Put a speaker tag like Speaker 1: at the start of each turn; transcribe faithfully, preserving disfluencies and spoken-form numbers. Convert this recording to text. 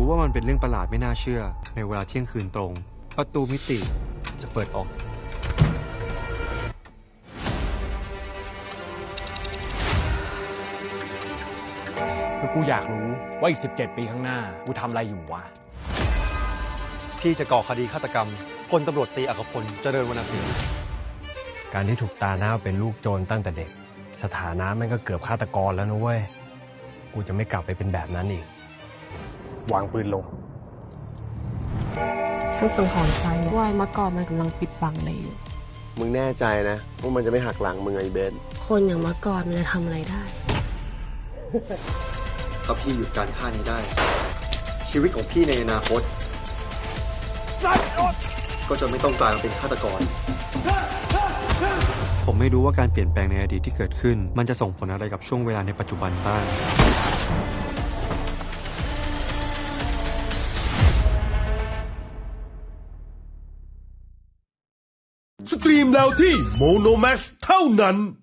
Speaker 1: ว่ามันเป็นเรื่องประหลาดไม่น่าเชื่อในเวลาเที่ยงคืนตรงประตูมิติจะเปิดออก
Speaker 2: คือกูอยากรู้ว่าอีกสิบเจ็ดปีข้างหน้ากูทำอะไรอยู่วะ
Speaker 1: พี่จะก่อคดีฆาตกรรมพลตำรวจตีอัครพลเจริญวรรณสิงห์
Speaker 3: การที่ถูกตาหน้าเป็นลูกโจรตั้งแต่เด็กสถานะมันก็เกือบฆาตกรแล้วนะเว้ยกูจะไม่กลับไปเป็นแบบนั้นอีกวางปืนลง
Speaker 4: ฉันสังหรณ์ใจว่าเมื่อก่อนมันกำลังปิดบังอะไรอยู่
Speaker 5: มึงแน่ใจนะว่ามันจะไม่หักหลังมึงไอ้เบน
Speaker 4: คนอย่างเมื่อก่อนมันจะทำอะไรได้
Speaker 1: ถ้าพี่หยุดการฆ่านี้ได้ชีวิตของพี่ในอนาคตก็จะไม่ต้องกลายมาเป็นฆาตกรผมไม่รู้ว่าการเปลี่ยนแปลงในอดีตที่เกิดขึ้นมันจะส่งผลอะไรกับช่วงเวลาในปัจจุบันบ้าง
Speaker 6: สตรีมแล้วที่โมโนแม็กซ์เท่านั้น